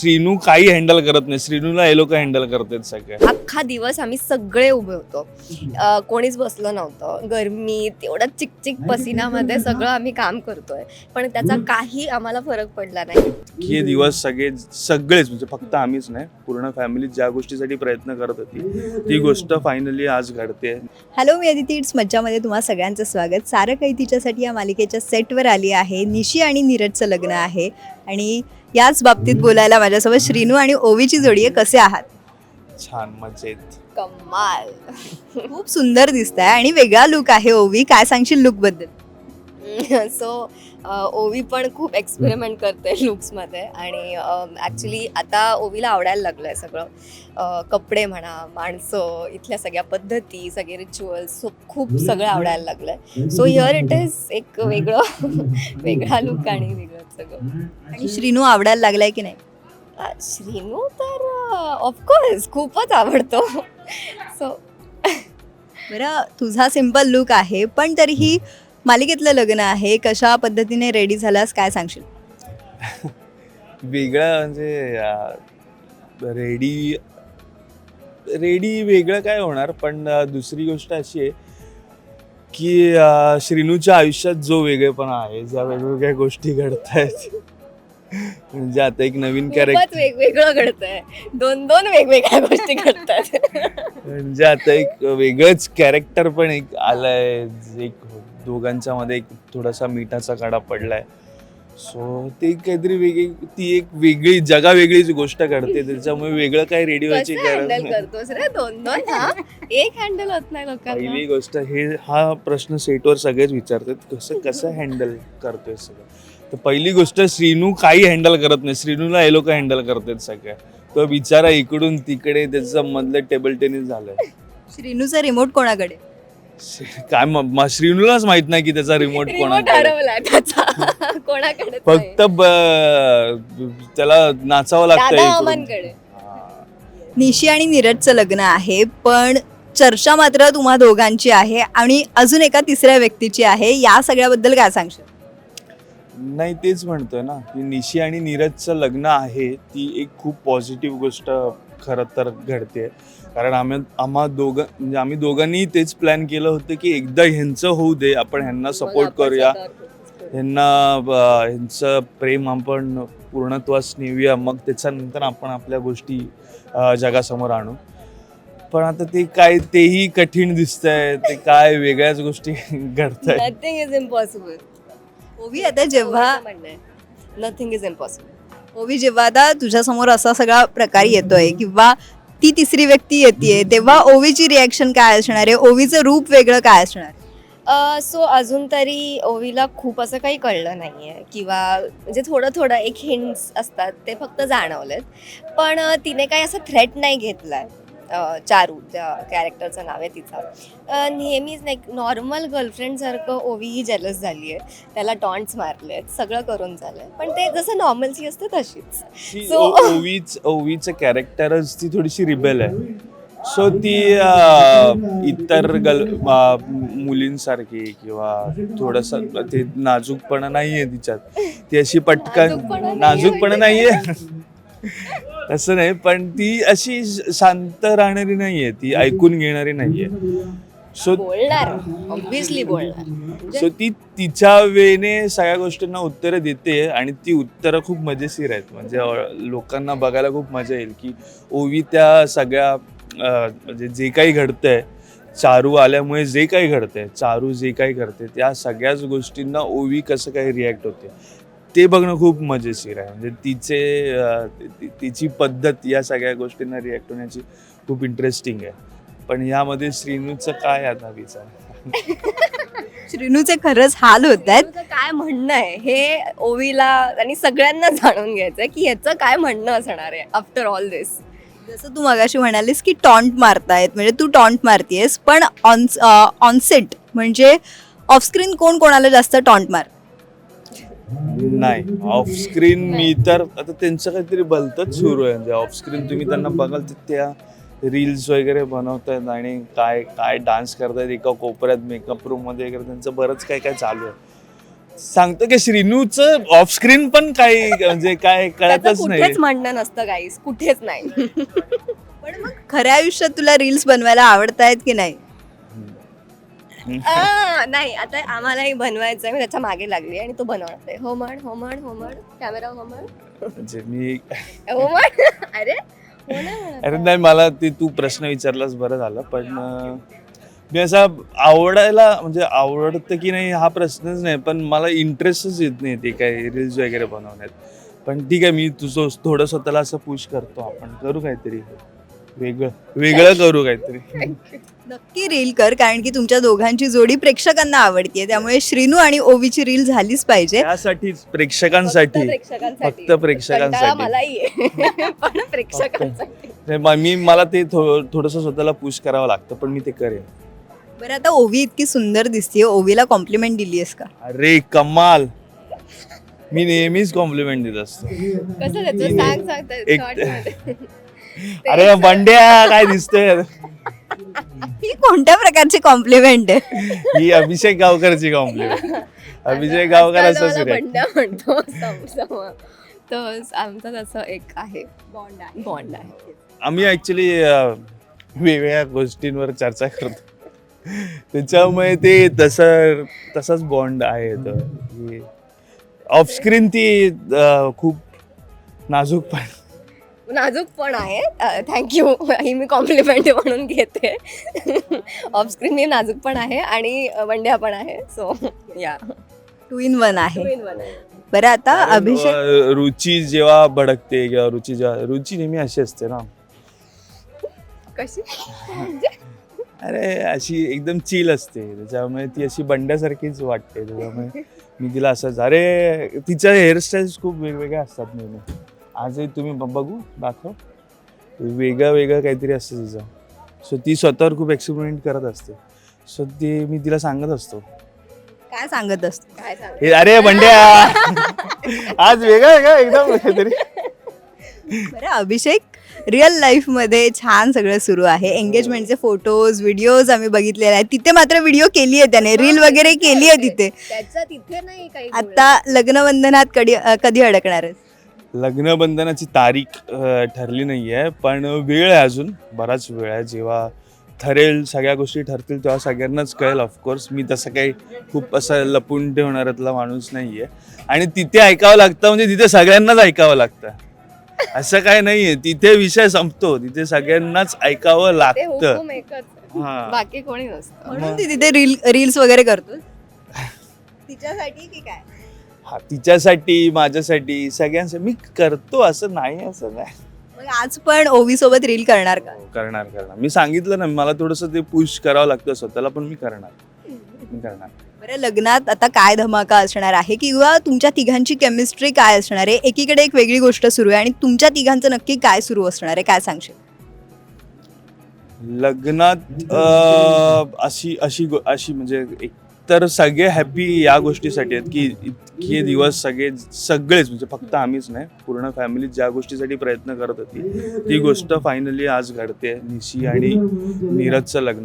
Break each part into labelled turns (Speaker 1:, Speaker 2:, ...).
Speaker 1: श्रीनू काही हँडल करत नाही, श्रीनूला हे लोक हँडल करतात सगळे.
Speaker 2: अख्खा दिवस आम्ही सगळे उभे होतो, कोणीच बसलं नव्हतं. गरमीत एवढा चिकचिक पसिनामध्ये सगळं आम्ही काम करतोय, पण त्याचा काही आम्हाला फरक पडला नाही.
Speaker 1: हे दिवस सगळेच म्हणजे फक्त आम्हीच नाही, पूर्ण फॅमिली ज्या गोष्टीसाठी प्रयत्न करत होती ती गोष्ट फायनली आज घडते.
Speaker 3: हॅलो, मी अदिती. इट्स मज्जामध्ये तुम्हा सगळ्यांचं स्वागत. सारं काही तिच्यासाठी या मालिकेच्या सेटवर आली आहे. निशी आणि नीरजचं लग्न आहे आणि याच बाबतीत बोलायला माझ्यासोबत श्रीनू आणि ओवीची जोडी आहे. कसे आहात?
Speaker 1: छान, मजेत.
Speaker 2: कमाल.
Speaker 3: खूप सुंदर दिसताय आणि वेगळा लुक आहे. ओवी, काय सांगशील लुक बद्दल?
Speaker 2: सो ओवी पण खूप एक्सपेरिमेंट करते लुक्समध्ये आणि ॲक्च्युली आता ओवीला आवडायला लागलं आहे सगळं. कपडे म्हणा, माणसं, इथल्या सगळ्या पद्धती, सगळे रिच्युअल्स, खूप सगळं आवडायला लागलं आहे. सो हिअर इट इज एक वेगळा लुक आणि वेगळं सगळं.
Speaker 3: आणि श्रीनू आवडायला लागलाय की नाही?
Speaker 2: श्रीनू तर ऑफकोर्स खूपच आवडतो. सो
Speaker 3: बरं, तुझा सिम्पल लुक आहे, पण तरीही मालिकेतलं लग्न आहे. कशा पद्धतीने रेडी झालास, काय सांगशील?
Speaker 1: वेगळं म्हणजे रेडी वेगळं काय होणार, पण दुसरी गोष्ट अशी आहे की श्रीनूच्या आयुष्यात जो वेगळेपणा आहे, ज्या वेगवेगळ्या गोष्टी घडत आहेत, म्हणजे आता एक नवीन कॅरेक्टर,
Speaker 2: वेगवेगळं घडतंय, दोन वेगवेगळ्या गोष्टी घडतात.
Speaker 1: म्हणजे आता एक वेगळंच कॅरेक्टर पण एक आलंय, एक दोघांच्या मध्ये एक थोडासा मिठाचा कडा पडलाय. सो ते काहीतरी ती एक वेगळी वेगळीच गोष्ट घडते, त्याच्यामुळे वेगळं काय रेडिओची
Speaker 2: हँडल करतोस रे दोन एक हँडल होत नाही लोकांना.
Speaker 1: पहिली गोष्ट हा प्रश्न सेटवर सगळेच विचारतात, कसं हँडल करतोय सगळं. तर पहिली गोष्ट, श्रीनू काही हँडल करत नाही, श्रीनूला हे लोक हँडल करतात सगळ्या. तो बिचारा इकडून तिकडे, त्याचं मधलं टेबल टेनिस झालंय.
Speaker 3: श्रीनूचा रिमोट कोणाकडे?
Speaker 1: काय श्रीनूलाच माहित नाही की त्याचा रिमोट
Speaker 2: कोणाकडे,
Speaker 1: फक्त त्याला नाचावं लागतं.
Speaker 3: निशी आणि नीरजचं लग्न आहे, पण चर्चा मात्र तुम्हा दोघांची आहे आणि अजून एका तिसऱ्या व्यक्तीची आहे. या सगळ्याबद्दल काय सांगशील?
Speaker 1: नाही, तेच म्हणतोय ना की निशी आणि नीरजचं लग्न आहे, ती एक खूप पॉझिटिव्ह गोष्ट खरं तर घडते. कारण आम्ही दोघांनी तेच प्लॅन केलं होतं की एकदा ह्यांचं होऊ दे, आपण ह्यांना सपोर्ट करूया, ह्यांचं प्रेम आपण पूर्णत्वास नेऊया, मग त्याच्यानंतर आपण आपल्या गोष्टी जगासमोर आणू. पण आता तेही कठीण दिसतंय, ते काय वेगळ्याच गोष्टी घडतायत.
Speaker 2: Nothing is impossible.
Speaker 3: ओवी, आता जेव्हा
Speaker 2: नथिंग इज इम्पॉसिबल.
Speaker 3: ओवी, जेव्हा आता तुझ्यासमोर असा सगळा प्रकार येतोय किंवा ती तिसरी व्यक्ती येते, तेव्हा ओवीची रिॲक्शन काय असणार आहे? ओवीचं रूप वेगळं काय असणार आहे?
Speaker 2: सो अजून तरी ओवीला खूप असं काही कळलं नाही आहे, किंवा म्हणजे थोडं एक हिंट्स असतात ते फक्त जाणवलेत, पण तिने काही असं थ्रेट नाही घेतला आहे. चारू, त्या कॅरेक्टरचं नाव आहे तिचा, नेहमीच नाही, नॉर्मल गर्लफ्रेंडसारखं ओवीही जेलस झाली आहे, त्याला टॉन्ट्स मारले आहेत, सगळं करून झालंय, पण ते जसं नॉर्मलची असते तशीच.
Speaker 1: ओवीचं कॅरेक्टरच ती थोडीशी रिबेल आहे. सो ती इतर मुलींसारखी किंवा थोडस ते नाजूकपणा नाहीये तिच्यात, ती अशी पटकन नाजूकपणा नाहीये असं नाही, पण ती अशी शांत राहणारी नाहीये, ती ऐकून घेणारी नाहीये. सो
Speaker 2: ऑब्विसली बोलणार.
Speaker 1: सो ती तिच्या वेने सगळ्या गोष्टींना उत्तरं देते आणि ती उत्तरं खूप मजेशीर आहेत. म्हणजे लोकांना बघायला खूप मजा येईल की ओवी त्या सगळ्या म्हणजे जे काही घडतंय, चारू आल्यामुळे जे काही घडतंय, चारू जे काही करते, त्या सगळ्याच गोष्टींना ओवी कसं काही रिॲक्ट होते ते बघणं खूप मजेशीर आहे. म्हणजे तिची पद्धत या सगळ्या गोष्टींना रिॲक्ट होण्याची खूप इंटरेस्टिंग आहे. पण यामध्ये श्रीनूचं काय आता विचार?
Speaker 3: श्रीनूचे खरंच हाल होत आहेत.
Speaker 2: काय म्हणणं आहे हे ओवीला आणि सगळ्यांना जाणून घ्यायचंय की ह्याचं काय म्हणणं असणार आहे आफ्टर ऑल दिस.
Speaker 3: जसं तू मगाशी म्हणालीस की टॉन्ट मारतायत, म्हणजे तू टॉन्ट मारतीयस, पण ऑनसेट म्हणजे ऑफस्क्रीन कोण कोणाला जास्त टॉन्ट मार?
Speaker 1: नाही, ऑफस्क्रीन मी तर आता त्यांचं काहीतरी भलतंच सुरू आहे. म्हणजे ऑफस्क्रीन तुम्ही त्यांना बघाल तर त्या रील्स वगैरे बनवतात आणि काय काय डान्स करतात एका कोपऱ्यात मेकअप रूम मध्ये वगैरे, त्यांचं बरंच काय काय चालू आहे. सांगतो की श्रीनूचं ऑफ स्क्रीन पण काही म्हणजे काय
Speaker 2: त्याचं
Speaker 1: कळतच नाही.
Speaker 2: कुठेच म्हणणं नसतं गाईस, कुठेच नाही.
Speaker 3: पण मग खऱ्या आयुष्यात तुला रील्स बनवायला आवडतायत की नाही?
Speaker 2: नाही, आता आम्हालाही बनवायचं आहे, मी त्याच्या मागे लागली आणि तो बनवणार आहे. हो म्हण, हो म्हण, हो म्हण, कॅमेरा हो म्हण,
Speaker 1: म्हणजे मी
Speaker 2: हो म्हण. अरे हो नाही म्हणत.
Speaker 1: अरे नाही, मला ते तू प्रश्न विचारलास बरं झालं. पण मी असा आवडायला म्हणजे आवडतं की नाही हा प्रश्नच नाही, पण मला इंटरेस्टच येत नाही ते काय रील्स वगैरे बनवण्यात. पण ठीक आहे, मी तुझं थोडं स्वतःला असं पुश करतो, आपण करू काहीतरी वेगळं करू काहीतरी.
Speaker 3: नक्की रील कर, कारण की तुमच्या दोघांची जोडी प्रेक्षकांना आवडतीये, त्यामुळे श्रीनू आणि ओवीची रील झालीच पाहिजे.
Speaker 1: त्यासाठीच प्रेक्षकांसाठी फक्त प्रेक्षकांसाठी.
Speaker 2: कंटाळा मलाही आहे, पण प्रेक्षकांसाठी.
Speaker 1: मला ते थोडंसं स्वतःला पुश करावं लागतं, पण मी ते करेन.
Speaker 3: बरं, आता ओवी इतकी सुंदर दिसतीये, ओवीला कॉम्प्लिमेंट दिलीयस का?
Speaker 1: अरे कमाल, मी नेहमीच कॉम्प्लिमेंट देत असतो.
Speaker 2: कसं त्याचं सांग
Speaker 1: अरे बंड्या काय दिसतंय.
Speaker 3: ही कोणत्या प्रकारची कॉम्प्लिमेंट आहे?
Speaker 1: ही अभिषेक गावकरची कॉम्प्लिमेंट. अभिषेक गावकर असंच रे.
Speaker 2: बंड्या म्हणतो तर आमचं तसं एक आहे, बॉन्ड आहे.
Speaker 1: आम्ही ऍक्च्युली वेगवेगळ्या गोष्टींवर चर्चा करतो, त्याच्यामुळे ते तसाच बॉन्ड आहे. ऑफ स्क्रीन ती खूप नाजूक
Speaker 2: पण आहे. थँक्यू, ही मी कॉम्प्लिमेंट म्हणून घेते. ऑफ स्क्रीन मी नाजूक पण आहे आणि बंड्या पण आहे. सो या
Speaker 3: 2 in 1 आहे. बरं, आता अभिषेक
Speaker 1: रुची जेव्हा भडकते किंवा रुची नेहमी अशी असते ना,
Speaker 2: कशी
Speaker 1: अरे अशी एकदम चिल असते, त्याच्यामुळे ती अशी बंड्यासारखीच वाटते. त्याच्यामुळे मी तिला असंच, अरे तिच्या हेअरस्टाईल्स खूप वेगवेगळ्या असतात नेहमी. आजही तुम्ही बघू दाखव, वेगळं काहीतरी असतं तिचं. सो ती स्वतःवर खूप एक्सपेरिमेंट करत असते. सो ते मी तिला सांगत असतो.
Speaker 3: काय सांगत असतो?
Speaker 2: काय सांग,
Speaker 1: हे अरे बंड्या आज वेगळं एकदम काहीतरी.
Speaker 3: बरं, अभिषेक, रिअल लाईफ मध्ये छान सगळं सुरू आहे. एंगेजमेंटचे फोटोज, व्हिडिओज आम्ही बघितलेले आहेत. तिथे मात्र व्हिडिओ केली आहे त्याने, रील वगैरे केली आहे तिथे.
Speaker 2: त्याचं तिथे नाही काही.
Speaker 3: आता लग्नबंधनात कधी अडकणार आहे?
Speaker 1: लग्नबंधनाची तारीख ठरली नाही आहे, पण वेळ आहे, अजून बराच वेळ आहे. जेव्हा ठरेल, सगळ्या गोष्टी ठरतील, तेव्हा सगळ्यांनाच कळेल. ऑफकोर्स मी तसं काही खूप असं लपून ठेवणाऱ्यातला माणूस नाही आहे. आणि तिथे ऐकावं लागतं म्हणजे तिथे सगळ्यांनाच ऐकावं लागतं, असं काय नाहीये. तिथे विषय संपतो, तिथे सगळ्यांनाच ऐकावं लागतं. हा,
Speaker 2: बाकी कोणी नसतं.
Speaker 3: म्हणून ती तिथे रील्स वगैरे करतो तिच्यासाठी की काय?
Speaker 1: हा, तिच्यासाठी, माझ्यासाठी, सगळ्यांसाठी मी करतो, असं नाही.
Speaker 3: मग आज पण ओवी सोबत रील करणार का?
Speaker 1: करणार. मी सांगितलं ना, मला थोडंसं ते पुश करावं लागतं स्वतःला, पण मी करणार.
Speaker 3: बरं, लग्नात आता काय धमाका असणार आहे, किंवा तुमच्या तिघांची केमिस्ट्री काय असणार आहे? एकीकडे एक वेगळी गोष्ट सुरू आहे आणि तुमच्या तिघांचं नक्की काय सुरू असणार आहे, काय सांगशील?
Speaker 1: लग्नात अशी म्हणजे तर सगळे हॅपी या गोष्टीसाठी आहेत की इतके दिवस सगळेच म्हणजे फक्त आम्हीच नाही, पूर्ण फॅमिली ज्या गोष्टीसाठी प्रयत्न करत होती ती गोष्ट फायनली आज घडते. निशी आणि नीरजचं लग्न,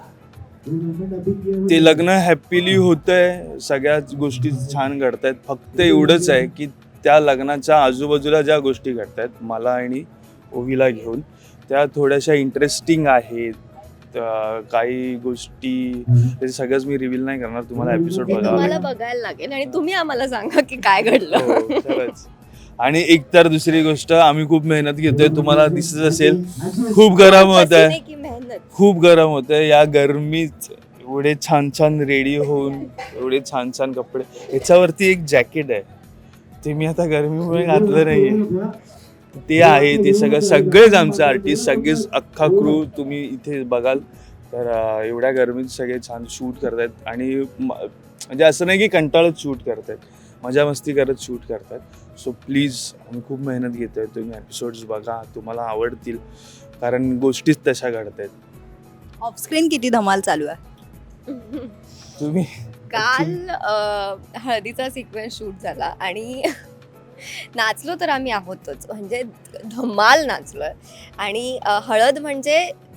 Speaker 1: ते लग्न हॅपीली होतंय, सगळ्याच गोष्टी छान घडतायत. फक्त एवढंच आहे की त्या लग्नाच्या आजूबाजूला ज्या गोष्टी घडतायत मला आणि ओवीला घेऊन, त्या थोड्याशा इंटरेस्टिंग आहेत. काही गोष्टी सगळंच मी रिव्हील नाही करणार, तुम्हाला एपिसोड
Speaker 2: तुम्हाला बघायला लागेल आणि तुम्ही आम्हाला सांगा की काय घडलं.
Speaker 1: आणि एक तर दुसरी गोष्ट, आम्ही खूप मेहनत घेतोय, तुम्हाला दिसत असेल खूप गरम होत आहे, खूप गरम होत आहे. या गरमीत एवढे छान छान रेडी होऊन, एवढे छान छान कपडे, याच्यावरती एक जॅकेट आहे, ते मी आता गरमीमुळे घातलं नाहीये, ते आहे. ते सगळेच आमचे आर्टिस्ट, सगळेच अख्खा क्रू तुम्ही इथे बघाल तर एवढ्या गरमीत सगळे छान शूट करतायत. आणि म्हणजे असं नाही की कंटाळत शूट करतायत, मजा मस्ती करत शूट करतायत. सो प्लीज, आम्ही खूप मेहनत घेतोय, तुम्ही एपिसोड्स बघा, तुम्हाला आवडतील, कारण गोष्टीच तशा घडतायत.
Speaker 3: ऑफस्क्रीन किती धमाल चालू आहे?
Speaker 1: तुम्ही
Speaker 2: काल हळदीचा सिक्वेन्स शूट झाला आणि नाचलो तर आम्ही आहोतच, म्हणजे धमाल नाचलोय. आणि हळद म्हणजे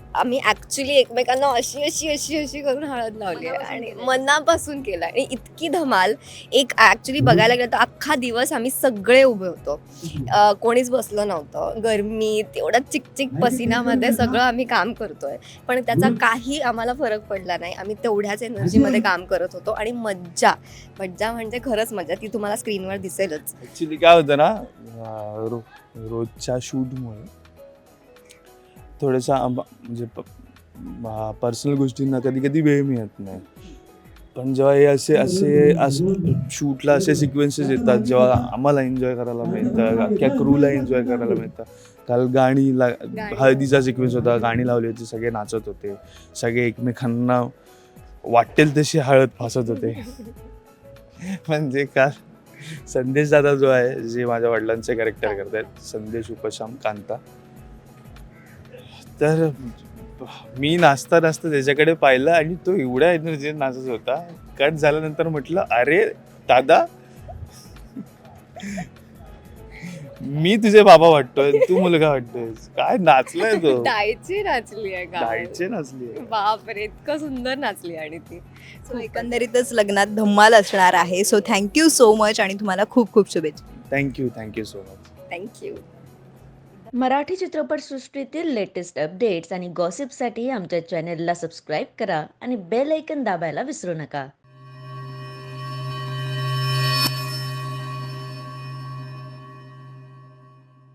Speaker 2: आम्ही ऍक्च्युली एकमेकांना अशी अशी अशी अशी करून हळद लावली आहे आणि मनापासून केलं आणि इतकी धमाल. एक ऍक्च्युली बघायला गेलं तर अख्खा दिवस आम्ही सगळे उभे होतो. कोणीच बसलं नव्हतं. गरमीत एवढा चिकचिक पसिनामध्ये सगळं आम्ही काम करतोय, पण त्याचा काही आम्हाला फरक पडला नाही. आम्ही तेवढ्याच एनर्जीमध्ये काम करत होतो आणि मज्जा मज्जा म्हणजे खरंच मज्जा, ती तुम्हाला स्क्रीनवर दिसेलच.
Speaker 1: ऍक्च्युली काय होतं ना, रोजच्या शूटमुळे थोडंसं म्हणजे पर्सनल गोष्टींना कधी कधी वेळ मिळत नाही. पण जेव्हा हे असे असे असं शूटला असे सिक्वेन्सेस येतात, जेव्हा आम्हाला एन्जॉय करायला मिळतं, अख्ख्या क्रूला एन्जॉय करायला मिळतं. काल हळदीचा सिक्वेन्स होता, गाणी लावली होती, सगळे नाचत होते, सगळे एकमेकांना वाटेल तशी हळद फासत होते. म्हणजे काल संदेश दादा जो आहे, जे माझ्या वडिलांचे कॅरेक्टर करतात, संदेश उपशाम कांता, तर मी नाचता नाचता त्याच्याकडे पाहिलं आणि तो एवढ्या एनर्जीने नाचत होता. कट झाल्यानंतर म्हटलं, अरे दादा, मी तुझे बाबा वाटतोय, तू मुलगा वाटतोय. काय नाचलाय तो,
Speaker 2: डायची नाचली आहे
Speaker 1: डायचे नाचली.
Speaker 2: बापरे, इतकं सुंदर नाचली आणि ती.
Speaker 3: सो एकंदरीतच लग्नात धम्माल असणार आहे. सो थँक्यू सो मच आणि तुम्हाला खूप खूप शुभेच्छा.
Speaker 1: Thank you so much.
Speaker 2: Thank you.
Speaker 4: Marathi चित्रपटसृष्टीतील लेटेस्ट अपडेट्स आणि गॉसिपसाठी आमच्या चॅनेलला सबस्क्राईब करा आणि बेल ऐकन दाबायला विसरू नका.